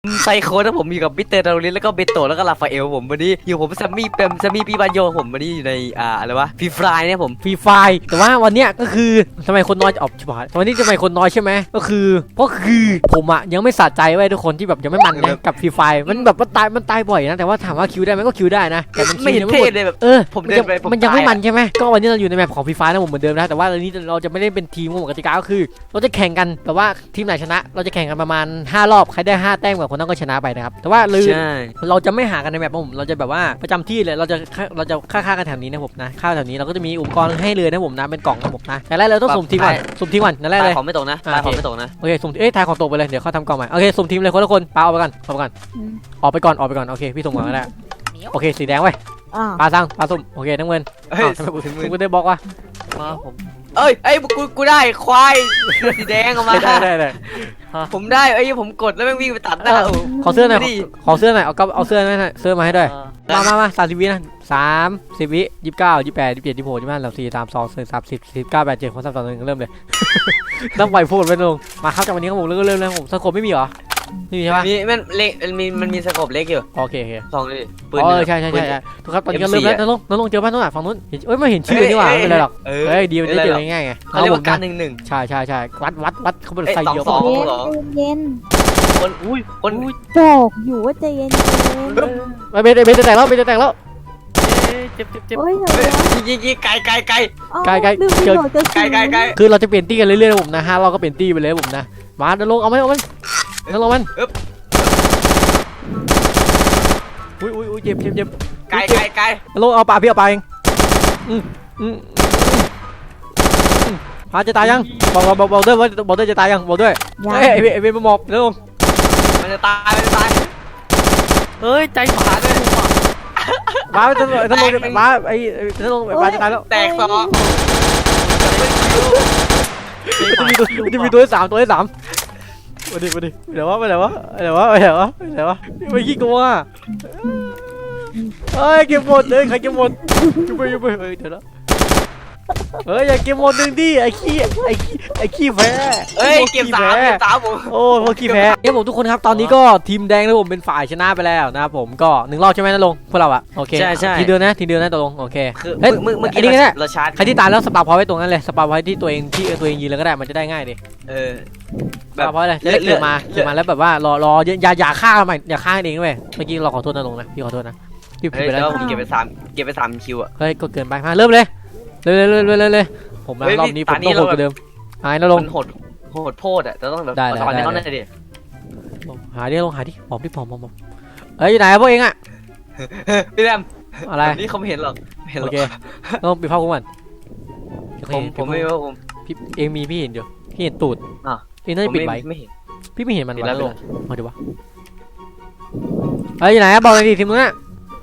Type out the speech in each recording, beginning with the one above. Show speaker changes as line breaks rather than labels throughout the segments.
ไซโคนะผมอยู่กับมิสเตอร์ดารินแล้วก็เบโตแล้วก็ลาฟาเอลผมวันนี้อยู่ผมแซมมี่ปีบานโยผมวันนี้อยู่ในอะไรวะฟรีไฟเนี่ยผม
ฟรีไฟแต่ว่าวันเนี้ยก็คือทำไมคนน้อยออกชิบหายวันนี้ทำไมคนน้อยใช่ไหมก็คือผมอะยังไม่สะใจไว้ทุกคนที่แบบยังไม่มันนะกับฟรีไฟมันแบบมันตายบ่อยนะแต่ว่าถามว่าคิวได้ไหมก็คิวได้นะแต่มัน
ไม่เห็นเท่เลยแบบผมเดินไป
มันยังไม่มันใช่ไหมก็วันนี้เราอยู่ในแมปของฟรีไฟนะผมเหมือนเดิมนะแต่ว่าวันนี้เราจะไม่ได้เป็นทีมของกติกาก็คือเราจะแข่งกันแต่ว่าทีมไหนชนะเราจะแข่งกันประมาณ5 รอบใครได้5 แต้มกว่าคนนั้นก็ชนะไปนะครับแต่ว่าเราจะไม่หากันในแมปผมเราจะแบบว่าประจำที่เลยเราจะฆ่ากันแถวนี้นะผมนะฆ่าแถวนี้เราก็จะมีอุปกรณ์ให้เลยนะผมนะเป็นกล่องนะผมนะแต่แรกเราต้องสุ่มทีมก่อนนั่นแรกเลย
ของไม่ตกนะของไม่ตกนะ
โอเคสุ่มทายของตกไปเลยเดี๋ยวเขาทำกล่องใหม่โอเคสุ่มทีมเลยคนละคนปาออกไปก่อนออกไปก่อนโอเคพี่ส่งก่อนก็ได้โอเคสีแดงไว้ปาสุ่มโอเคน้ำเงินทำไมกูได้บล็อกวะ
ผมกูได้ควายสีแดงออกมา
ได้
ผมได้ผมกดแล้วแม่งวิ่งไปตัดหน้า
ขอเสื้อหน่อยเอาเสื้อมาให้ด้วยมา30 วินะ30 วิ29 28 27 26 25 34 32 30 19 87 คน32 1เริ่มเลยต้องปล่อยพูดไปลงมาครับจากวันนี้ครับผมเริ่มเลยผมสโคปไม่มีเหรอนี่ใช่ปะ
มันมีสโคปเล็กอยู่
โอเค
สองเลย
ปืนใช่ทุกครับตอนนี้ก็เริ่มแล้วน้องเจอบ้านนู้นฝั่งนู้นไม่เห็นชื่อนี่หว่าไม่เป็นไรหรอกดีมันได้เจอง่ายไง
เขาเรียกว่าการ1-1
ใช่วัดเขาเป็นไฟเยอะ
เย็น
คน
บอกอยู่ว่าใจเย็น
ไม่เบนจะแตกแล้วเจ็บ
ยิงไกล
คือเราจะเปลี่ยนตี้กันเรื่อยๆผมนะเราก็เปลี่ยนตี้ไปเลยผมนะมาเดินลงเอามันอุ้ยเจ็บ
ไกล
ลงเอาปลาพี่เอาปลาเองพาจะตายยังบอกด้วยจะตายยังบอกด้วยไอ้เบนมาหมอบเร็ว
มันจะตาย
เฮ้ยใจขาดเลยมาจะลงมาจะลงมาจะตายแล้ว
แตกสอง
จะมีตัวที่ 3มาดิเดี๋ยววะไม่ขี้กลัวเก็บหมดเลยใครเก็บหมดอยู่ไปเดี๋ยวนะอย่าเก็บหมดนึงดิไอ้ขี้แพ้
เก็บ3ผม
โอ้พวกขี้แพ้เนี่ยผมทุกคนครับตอนนี้ก็ทีมแดงนะผมเป็นฝ่ายชนะไปแล้วนะครับผมก็1 รอบใช่ไหมนะลงพวกเราอะโอเค
ใช่
ทีเดียวนะตกลงโอเค
เฮ้ยเมื่อกี้นี่เราชาร์จ
ใครที่ตายแล้วสปาพอยไว้ตรงนั้นเลยสปาพอยที่ตัวเองยืนเลยก็ได้มันจะได้ง่ายดิแบบพอยเลยจะได้เกิดมาแล้วแบบว่ารออย่าฆ่ามันอย่าฆ่าเองด้วยเมื่อกี้เราขอโทษนะลงนะพี่ขอโทษนะพี่ผิดไปแล้ว
ผมเก็บไป3คิวอะ
เฮ้ยก็เกินไปมาเริ่มเลยผมรอบนี้ผมต้องโหดกว่าเดิมหายนะลง
โหดโพดอ่ะจะต้องแบบสอนให้เขาหน่อยดิ
หาดิลงหาดิผอมอยู่ไหนพวกเองอ่ะ
พี่แรม
อะไร
นี่เขาไม่เห็นหรอก
โอเคต้องปิดภาพกูก่อน
ผมไม่ว่าผม
พี่เองมีพี่เห็นอยู่พี่เห็นตูดเองน่าจะปิดไว้
ไม่เห็น
พี่ไม่เห็นมันแล้วลงมาดูวะอยู่ไหนบอกเลยดิทีมนู้นน่ะ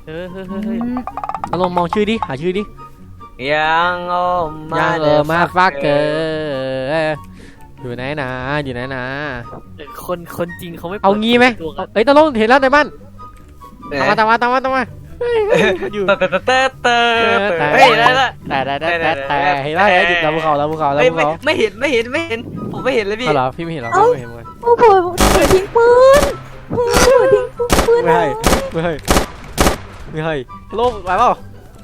ลงมองชื่อดิหาชื่อดิ
ยัง
มาฟักเกอร์อยู่ไหนนะ
คนจริงเขาไม่
เอางี้ไหมตะลงเห็นแล้วในบ้านตามมาอยู่
เฮ้ยได้
เห็นแล้วจุดเราภูเขา
ไม่เห็นผมไม่เห็นเลยพี่
เหรอพี่ไม่เห็นหรอไม่เห็นเลย
โอ้โหทิ้งปืน
ไม่ให้ลงไปเปล่า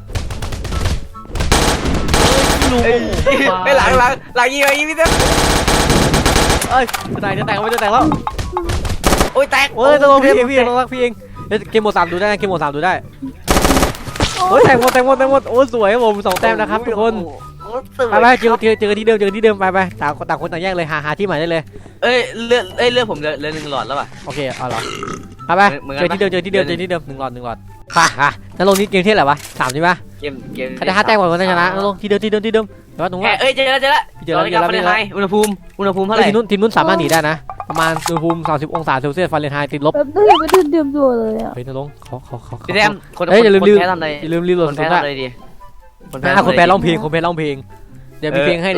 ไปหลังยิงพี่เต้
จะแตกแล้ว
โอ้ยแตก
จะลงพี่เองเกมโหมด 3ดูได้เกมโหมด 3ดูได้แตกหมดโอ้สวยผม2 แต้มนะครับทุกคนไปเจอที่เดิมไปต่างคนต่างแยกเลยหาที่ใหม่ได้เลย
เลือดผมเหลือ1 หลอดแล้วป่ะ
โอเคเอาเหรอไปเจอที่เดิม1 หลอดค่ะแล้วลงนี้เกมที่อะไรวะ3ใช่ปะ
เกม
ใครได้5 แต้มก่อนคนชนะลงที่เดิมแต่ว่าตรงว่า
เจอแล้วอุณหภูมิเท่าไหร่
ทีมนู้นสามารถหนีได้นะประมาณอุณหภูมิ30 องศาเซลเซียสฟาเรนไฮต์ติดลบ
ไม่เตรียมตัวเลยอ่ะ
เฮ้ยนะลงขอ
พี่แรมคน
ลืม
โหลด
คนแพ้ร้องเพลงเดี๋ยวมีเพลงให้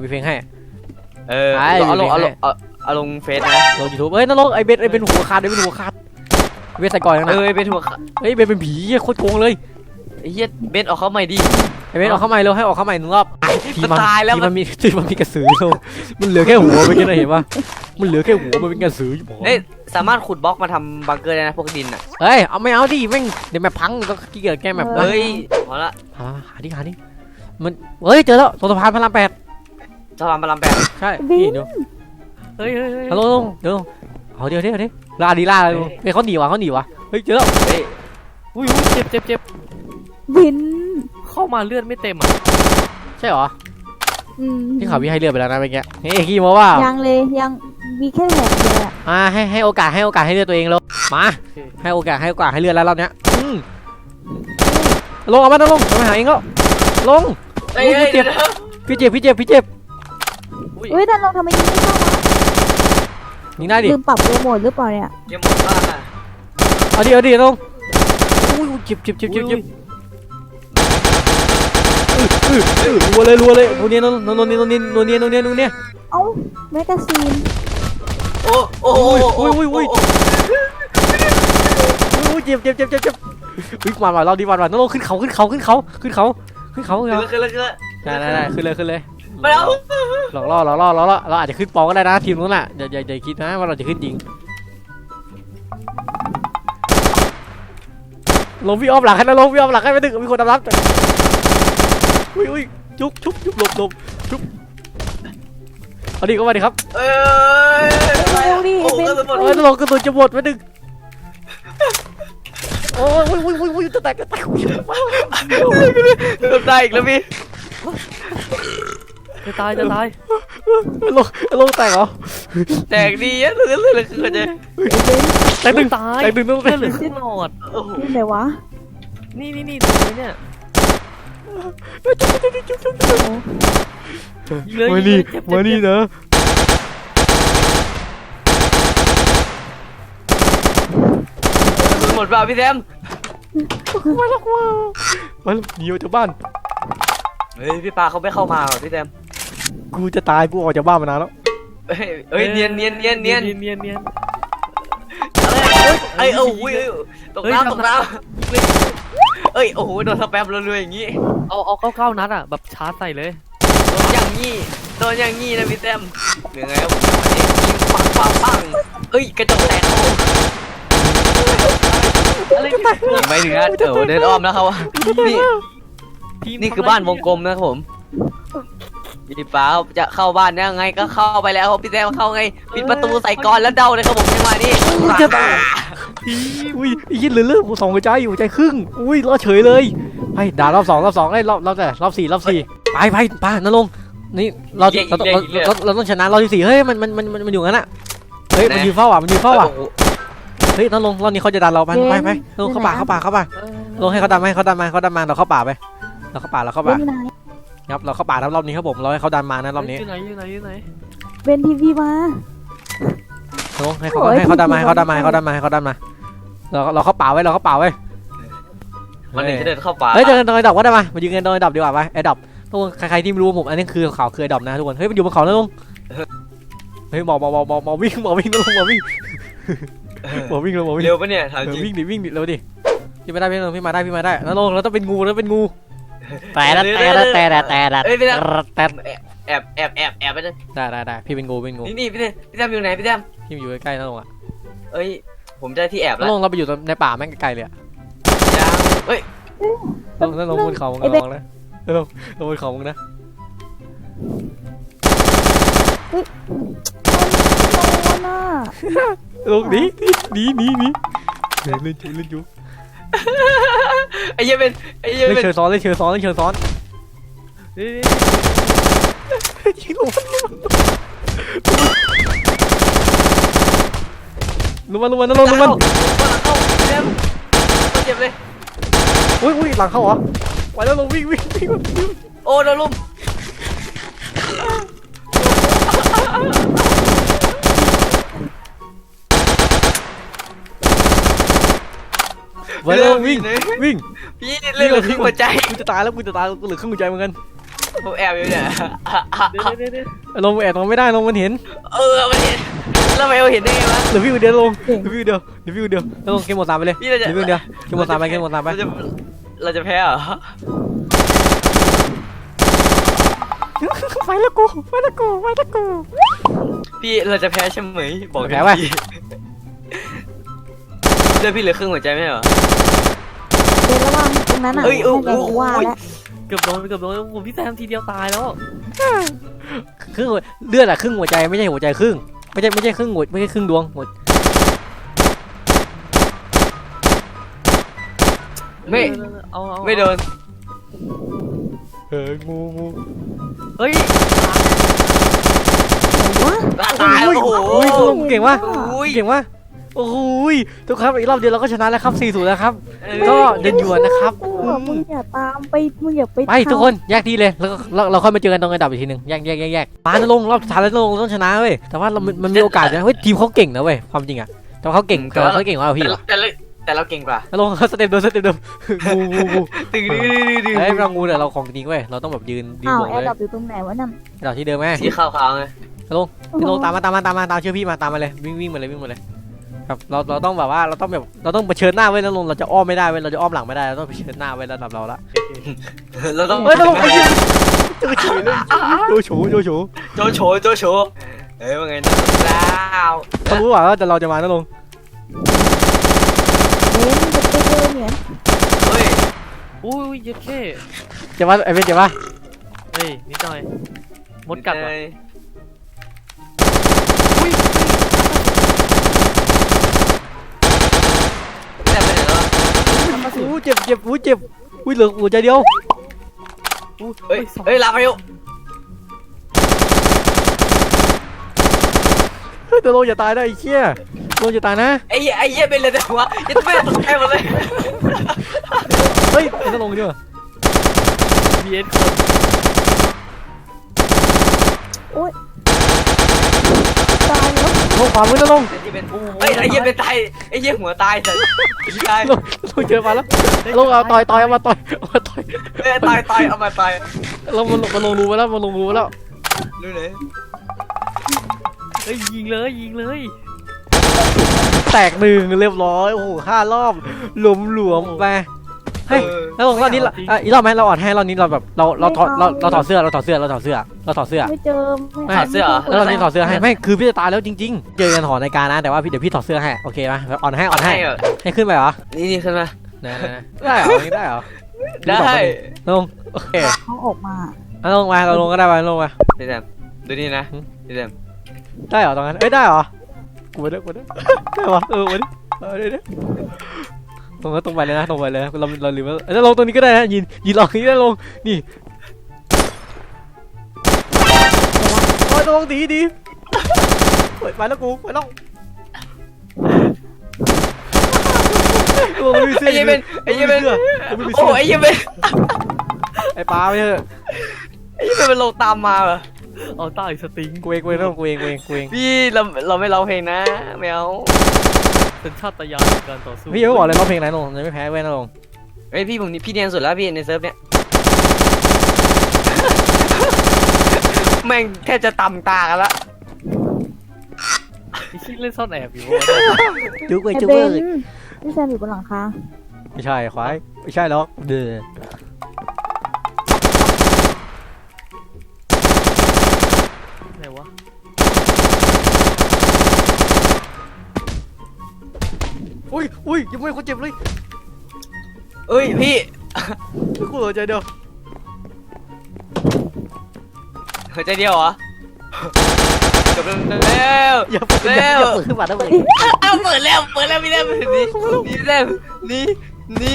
เอาลงเฟซนะ
ลง YouTube นะลงไอเบนเป็นหัวขาดเบนใส่ก่อนนะ
เป็นหัวขาด
เบนเป็นผีโคตรโกงเลย
ไอ้เหี้ยเบนออกเข้าใหม่ดิ
ไอเบนออกเข้าใหม่เร็วให้ออกเข้าใหม่1 รอบ
ตายแล้ว
มันมีกระสือมันเหลือแค่หัวไปแค่ไหนเห็นปะมันเหลือแค่หัวมันเป็นกระสือ
สามารถขุดบล็อกมาทำบังเกอร์ได้นะพวกดินอ่ะ
เฮ้ยเอาไม่เอาดิแม่งเดี๋ยวแมปพังต้องขี้เกียจแก้แมป
เฮ้ยพอละ
หาดิมันเฮ้ยเจอแล้วตรงสะพานพระราม
สะพานพระราม
8ใช่นี่เดี๋ยว
เฮ้ย
ฮัลโหลเดี๋ยวเอาเดี๋ยวลาดีล่าเลยเฮ้ยเขาหนีวะเฮ้ยเจอแล้ว
เฮ้ย
อุ้ยเจ็บ
วิน
เข้ามาเลือดไม่เต็มอ่ะ
ใช่เหรอ
อืม
ที่ข่าวพี่ให้เลือดไปแล้วนะเมื่อกี้เฮ้ยขี้โม้ว่า
ยังเลยยังมีแค่แผลเดียวอะ
ให้โอกาสให้เลือดตัวเองเลยมาให้โอกาสให้เลือดแล้วรอบเนี้ยลงเอามาลงมาหาเองก็ลง
เฮ้ย
พี่เจ็บ พี่เจ็บ
เฮ้ยดันลงทำไมยิงไม่เข้า
ยิงได้ดิ
ลืมปรับโปรโมทหรือเปล่าเนี่ย
ยังหมดบ้านอ่ะ
เอาดิลงอุ้ยเจ็บรัวเลยโนเนีย
เอ้าแมกกาซีน
โอ้
อุ้ยเจ็บวิ่งมาเราดีวันน้องลงขึ้นเขาได้ขึ้นเลย
ไปแล้ว
หลอกล่อเราอาจจะขึ้นปองก็ได้นะทีมนู้นน่ะอย่าคิดนะว่าเราจะขึ้นจริงลงพี่อ้อมหลังให้นะลงพี่อ้อมหลังให้ไม่ถึงมีคนรับอุ้ยจุ๊บหลบจุ๊บเอาดิก็มาดิครับ
เอ้ย
เร็วดิ
โอ้
เป็น
กระสุนหมด
ลงกระสุนจะหมดไม่ดึงโอ้ยจะแตก
ตายอีกแล้วพี่
จะตาย
ลงแตกเหรอ
แตกดีอ่ะเลื่อนคือจะ
แตกดึง
ตาย
ต้อง
เลือดเหลือครึ่งหลอด
โอ้โห
ที่ไหนวะ
นี่ตรงนี้เนี่ย
มานี่นะ
หมดเปล่าพี่แซม
มาแล้วหนีออกจากบ้าน
เฮ้ยพี่ปาเขาไม่เข้ามาหรอพี่แซม
กูจะตายกูออกจากบ้านมานานแล้ว
เฮ้ยเนียนเอ้ยโอ้ยตกน้ำเอ้ยโอ้โหโดนสแปมรัวๆอย่างงี้
เอาเข้านัดอ่ะแบบชาร์จใส่เลย
โดนอย่างงี้นะพี่แซมยังไงครับผมยิงปังเอ้ยกระจกแตกโอ้
อะไร
ไม่ถึงนะเดินอ้อมแล้วครับนี่คือบ้านวงกลมนะครับผมพี่ป้าจะเข้าบ้านยังไงก็เข้าไปแล้วพี่แซมเข้าไงปิดประตูใส่ก่อนแล้วเดาเลยครับผมจังหวะนี้
อุ้ยยินเหลือสองหัวใจอยู่ใจครึ่งอุ้ยรอดเฉยเลยไปด่ารอบสองไอ้รอบสี่ไปป้านรงนี่เราต้องชนะรอบที่4เฮ้ยมันอยู่งั้นอ่ะเฮ้ยมันยืนเฝ้าอ่ะเฮ้ยนรงรอบนี้เขาจะดันเราไปลงเข้าป่าลงให้เขาดันมาเราเข้าป่าไปเราเข้าป่า
เป็นไหน
ครับเราเข้าป่าแล้วรอบนี้ครับผมเราให้เขาดันมานะรอบนี้
อยู่ไหน
เป็นทีวีมา
ลงให้เขาดันมาเราเข้าป่าไว้
มันจะเดินเข้าป่า
เฮ้ยเดินดอยดับก็ได้มายืนกันดอยดับดีกว่าไปไอ้ดับทุกคนใครที่ไม่รู้ผมอันนี้คือเขาคือไอ้ดับนะทุกคนเฮ้ยมันอยู่บนเขาแล้วลงเฮ้ยหมอวิ่งแล้วลงหมอวิ่ง
เร็วปะเนี่ยถามจริง
วิ่งดิเร็วดิพี่มาได้พี่มาได้แล้วลงเราต้องเป็นงูแต่แอบไปเลย ได้พี่เป็นงู
นี่พี่แซมอยู่ไหนพี่แซม
พี่อยู่ใกล้ๆนั่นลงอ่ะ
เอ้ยผมได้ที่แอบแล้ว
ลงเราไปอยู่ในป่าแม่งไกลเลยอ่ะ
ยังเฮ้ย
ลงบนเขามึงลงนะลงบนเขามึงนะ
น่า
ลงหนีเล่นอยู่
ไอ้เหี้ยเป็น
เล่นเชิงซ้อนยิงลงลงมาลงมา
เจ็บเลย
อุ้ยหลังเข้าเหรอไปแล้วลงวิ่ง
โอ้โดนลุม
ไปแล้ววิ่ง
พี่เล่นเลยครึ่งหัวใจ
กูจะตายแล้วกูเหลือครึ่งหัวใจเหมือนกัน
ผมแอบอยู่เนี่ย
ลงแอบลงไม่ได้ลงมันเห็น
มันเห็นแล้วทำไมเราเห็นได้ไงวะ
เดี๋ยวพี่เดียวลงแล้วลงเกมหมดตามไปเลยเดี๋ยวเกมหมดตามไป
เราจะแพ้เหรอ
ไปแล้วกู
พี่เราจะแพ้ใช่ไหมบอก
แพ้ไว้
เลือดพี่เหลือครึ่งหัวใจไม่ใช่เหรอ
เบนระวังตรงนั้นอ่ะ
เอ้ย
ให้แกว่าแล้ว
เกือบโดนโอ้โหพี่แซมทีเดียวตายแล้ว
ครึ่งเลือดอะครึ่งหัวใจไม่ใช่หัวใจครึ่งไม่ใช่ครึ่งหัวไม่ใช่ครึ่งดวงหัว
ไม่
เอา
ไม่โดน
งู
เฮ้ย
วะ
ตายโอ้โห
อุ้ยลุงเก่งวะ
อุ้ย
เก่งวะโอ้โหทุกครับอีกรอบเดียวเราก็ชนะแล้วครับ4-0แล้วครับก็เดินหยวนนะครับ
มึงอย่าตามไปมึงอย่าไป
ไปทุกคนแยกทีเลยแล้วก็เราค่อยมาเจอกันตรงระดับอีกทีหนึ่งแยกปานะลงรอบสุดท้ายแล้วลงเราต้องชนะเว้ยแต่ว่ามันมีโอกาสนะเฮ้ยทีมเขาเก่งนะเว้ยความจริงอะแต่ว่าเขาเก่งกว่าเราพี่เหรอ
แต่เราเก่งกว่า
แล้วลงสเต็ปเดิมงู
ตึง
เฮ้ยเรางูเนี่ยเราของจริงเว้ยเราต้องแบบยืน
อ้าว
บวก
แอ
เลย
ร์ดรอปอยู่ตรงไหนวะนั่น
ระดับที่เดิมไหม
สีขาวๆไง
พี่ลงตามมาเชื่อพี่มาตามมาเลยวิ่งมาเลยครับเราต้องแบบว่าเราต้องเผชิญหน้าไว้แล้วลงเราจะอ้อมไม่ได้เว้ยเราจะอ้อมหลังไม่ได้เราต้องเผชิญหน้าไว้ระดับเราละ
เราต้อง
เฮ้ยเราลงไปยืนโจโฉโจโฉ
โจโฉเฮ้ยว่าไงนะดาว
เขารู้ว่าแต่เราจะมานะลง
เบนจะไปเจอเหมือน
เฮ้ย
อุ้ยเย็ดเข้
เจ็บปะไอ้เป็นเจ็บปะ
เฮ้ยนิดหน่อยมดกัดว่ะ
แต่ไปไหนแล้ว
อู้เจ็บอุ้ยเหลือหัวใจเดียว
เฮ้ยลาไปอยู่
เฮ้ยแต่ลงอย่าตายนะไอ้เชี่ยลงอย่าตายนะ
ไอ้เหี้ยเป็นเลยแต่ว่ายัดแม่ตกใจหมดเลย
เฮ้ยไอ้ลงดีกว่า
บีเอส
ตายแล้ว
ลงขวามือนะลง
ไอ้เหี้ยเป็นตายไอ้เหี้ยหัวตายแต่ตาย
ลงเจอมาแล้วลงเอาต่อยเอามาต่อย
ตายเอามาตาย
ลงมันลงรูไปแล้วมันลงรูไปแล้ว
ดูไหน
เฮ้ยยิงเลย
แตกหนึ่งเรียบร้อยโอ้โห5 รอบหลวมไปเฮ้ยแล้วลงรอบนี้อีกรอบไหมเราอ่อนให้รอบนี้เราแบบเราถอดเสื้อ
ไม่เจอไม่
แล้วรอบนี้ถอดเสื้อให้ไม่คือพี่จะตายแล้วจริงๆเจอกันหอในการนะแต่ว่าเดี๋ยวพี่ถอดเสื้อให้โอเคไหมอ่อนให้ขึ้นไปเหรอ
นี่ขึ้นมา
ได้เหรอได้เหรอ
ได้
ลงโอเค
เขาออกมา
ลงมาเราลงก็ได้ไปลงมา
พี่แซมดูนี่นะพี่แซม
ได้เหรอตรงนั้นได้เหรอกูได้ได้ปะวันนี้ได้ตรงไปเลยนะเราลืมแล้วลงตรงนี้ก็ได้นะยืนลองนี้ได้ลงนี่โอ้ยลงดีเปิดไปแล้วกูไปแล้ว
ไอ้เหี้ยเป็นโอ้ไอ้เหี้ยเป็น
ไอ้ปลาไปเถอะ
ไอ้เหี้ยเป็นลงตามมาเหรอ
เอาใต้สติง
กูเองกูเอง
พี่เราไม่ร้องเพลงนะไม่เอา
เป็นชาตญาณในการต่อสู้
พี่ยังไม่บอกเลยร้องเพลงไหนลงยังไม่แพ้เว้ยนะลง
เฮ้ยพี่เนียนสุดแล้วพี่ในเซิร์ฟเนี้ยแม่งแค่จะต่ำตากันละ
พี่ชิงเล่นซ่อนแอบอยู่
จุ๊กเว้ย
ไอ้
จุ๊ก
เบ
เว้ย
นพี่แซมอยู่บนหลังคา
ไม่ใช่ควายไม่ใช่หรอกเด้อ
ไหนวะ
อุ้ยยังไม่คนเจ็บเลย
เอ้ยพี่
กูหัวใจเดียว
หัวใจเดียวเหรอจบแล้ว
อย่าเปิดขึ้นมาได้ไหม
เอาเปิดแล้วพี่แซมนี่แซมนี่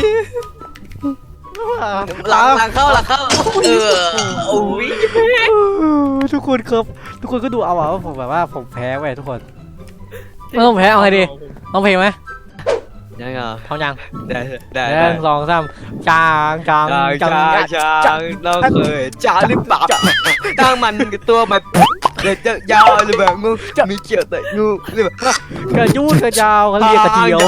หลังเข้าโอ้ย
ทุกคนครับทุกคนก็ดูเอาว่าผมแบบว่าผมแพ้ไปทุกคนไม่ต้องแพ้เอาไงดีต้องเพลงไหม
ยังไง
ท้องยัง
ได้
1 2 3จาง
เราเคยจางหรือเปล่าตั้งมันกับตัวมันเด็ดยาวหรือแบบงูมีเกี่ยวแต่งูหรือแบบ
กระยูดกระยาวเขาเรียกกระเจียว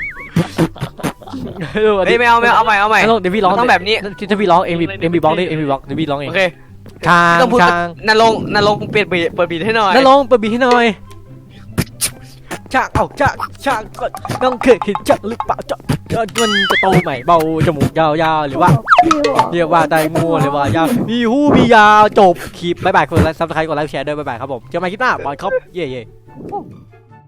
เฮ้ยไม่เอาใหม่
เดี๋ยวพี่ร้อง
ต้องแบบนี้
ถ้าพี่ร้องเอ็มบีบล็อกดิเอ็มบีบล็อกเดี๋ยวพี่ร้องเอง
โอเค
ช้าง
ต้องพูด
ช้าง
นรงเปลี่ยนเปิดบีทให้หน่อย
นั่นลงเปิดบีให้หน่อยช้างช้างน้องเคยเห็นช้างหรือเปล่าจ๊ะมันจะโตใหม่เบาจมูกยาวๆหรือว่าเรียกว่าไดงูหรือว่ายาวมีหูมียาวจบคลิปบ๊ายบายคนไลค์ซับสไครต์กดไลค์แชร์ด้วยบ๊ายบายครับผมเจอกันใหม่คลิปหน้าบอลครับเย่